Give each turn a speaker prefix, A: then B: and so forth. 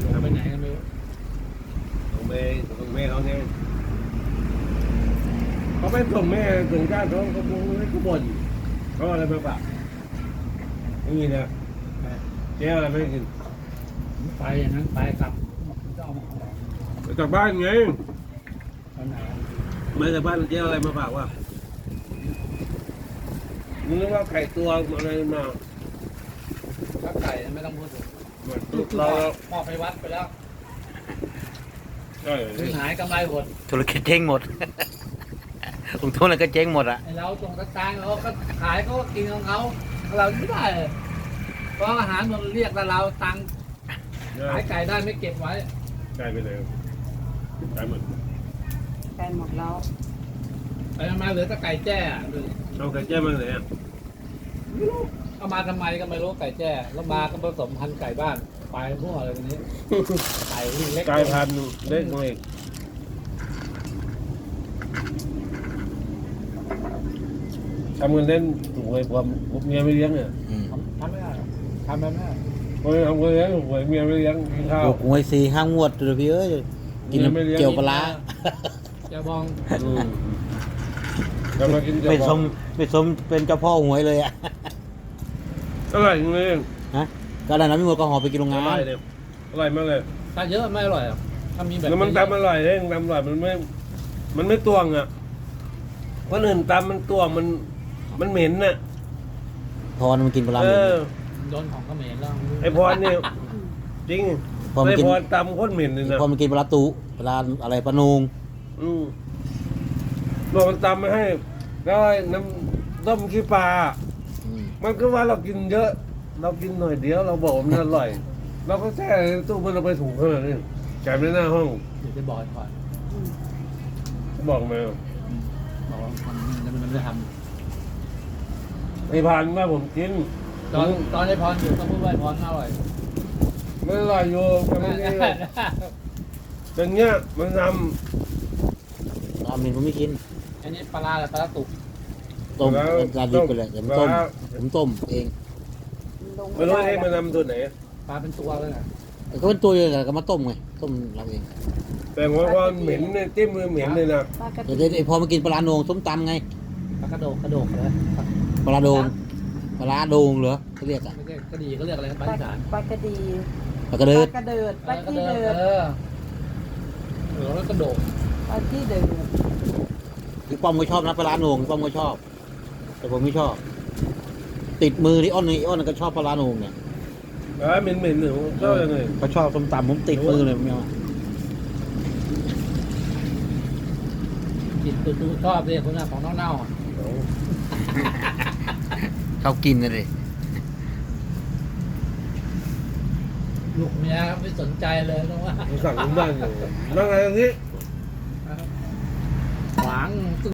A: ทำไปไหนกันไม่รู้
B: ส่งแม่เขาไงเขาไม่ส่งแม่ถึงก้านเขาบ่นเขาอะไรมาฝากไม่มีนะเจ๊อะไรไม่กิน
A: ไปอย่างนั้นไปกลับจะเอามาของ
B: จากบ้านไง
A: ตอนไหน
B: มาจากบ้านเจ๊อะไรมาฝากวะนึกว่าไก่ตัวอะไรมา
A: ถ้าไก่ไม่ต้องพูดถึง
B: เรา
A: พ่อไปวัดไปแล้ว
B: ใช่
A: ถึงหายกำไรหมด
C: ธุรกิจเจ๊งหมดลงทุนแล้วก็เจ๊งหมดอ่ะ
A: เราตรงกระตังเราก็ขายเขาก็กินของเขาเราไม่ได้เพราะอาหารมันเรียกแล้วเราตังขายไก่ได้ไม่เก็บไว้
B: ไก่ไปเลยไก่หมด
D: ไก่หมดแล้ว
A: ไปมาเหลือแต่ไก่แจ้
B: เอาไก่แจ้มาไหนอ่ะ
A: เอามาทำไมก็ไม่รู้ไก่แจ้แล้วมาก็ผสมพันธุ์ไก่บ้านไปพวกอะไรแบบนี้ไก่เล็ก
B: ไก่พันเล็กน้อยทำเงินเล่นถูกหวยผมเมียไม่เลี้ยงเนี่ย
A: ทำไม่ได้ทำแบบนั้น
B: ทำเงินเลี้ยงหวยเมียไม่เลี้ยงกินข้าว
C: ถูกหวย4-5 งวดเลยพี่เอ้ยกินเกี่ยวปลา
A: จะบอง
B: จะมากิน
C: ไม่สมเป็นเจ้าพ่อหวยเลยอ่ะ
B: อร่อยจริงเลย
C: ฮะก็ได้น้ำมีหมดก็ห่อไปกินโรงงาน
B: อร่อยมากเลย
A: ถ้าเยอะไม่อร่อยถ้ามีแบบ
B: แล้วมันตำอร่อยเลยตำอร่อยมันไม่ตวงอ่ะคนอื่นตำมันตวงมันเหม็นน่ะ
C: พรมันกินปลาเหม็น
A: โดนของก็เหม็นแล้ว
B: ไอพรเนี่ยจริงไอพรตำโคตรเหม็นเลยนะ
C: พอมันกินปลาตุปลาอะไรปลานูง
B: เรามันตำมาให้แล้วน้ำต้มขี้ปลามันก็ว่าเรากินเยอะเรากินหน่อยเดียวเราบอกมันอร่อยเราก็แช่ตู้มันเราไปถุงขนาดนี้แจกในหน้าห้อง
A: เดี๋ยวจะบอกก่อน
B: บอกมา
A: บอกมันไม่ท
B: ำไอพานว่าผมกิน
A: ตอนไอพรอยู่ต้องพูดว่าไอพรอร่อย
B: ไม่อร่อยอยู่แต่ไม่ได้อย่างเงี้ยมันทำ
C: ราเมนผมไม่กิน
A: อันนี้ปลาอะไรปลาตุก
C: ต้มปลาดิบไปเลยผมต้มเอง
B: ไม่รู้ให้มันนำตัวไหน
A: ปลาเป็นตัวเลยนะ
C: ก็เป็นตัวเลยก็มาต้มไงต้มเราเอง
B: แต่ว่าเหม็นเนี่ยจิ้มมือเหม็นเลยนะ
C: เดี๋ยวพอมากินปลาโหนงส้มตำไง
A: ปลากระโดกเลย
C: ปลาโดงเหรอเขาเรียกอ่ะ
A: ไม่ใช่กระดีเขาเรียกอะไรปลาอีสาน
D: ปลากระดี
C: ปลากระเดิด
D: ปลาขี้เดิด
A: แล้วกระโดด
D: ปลาขี้เดิด
C: พี่ป้อมก็ชอบนะปลาโหนงพี่ป้อมก็ชอบแต่ผมไม่ชอบติดมือที่อ้อนก็ชอบปลาโหนงเนี่ย
B: เหม็นหนูชอบยังไง
C: เขาชอบส้มตำผมติดมือเลยไม่เอา
A: กินตัวชอบเลยคนน่ะของเน่า
C: เขากินเลย
A: ลูกเมียไม่สนใจเลยนะว่า
B: สั่งบ้านอยู่นั่งไงตรงนี้
A: หวัง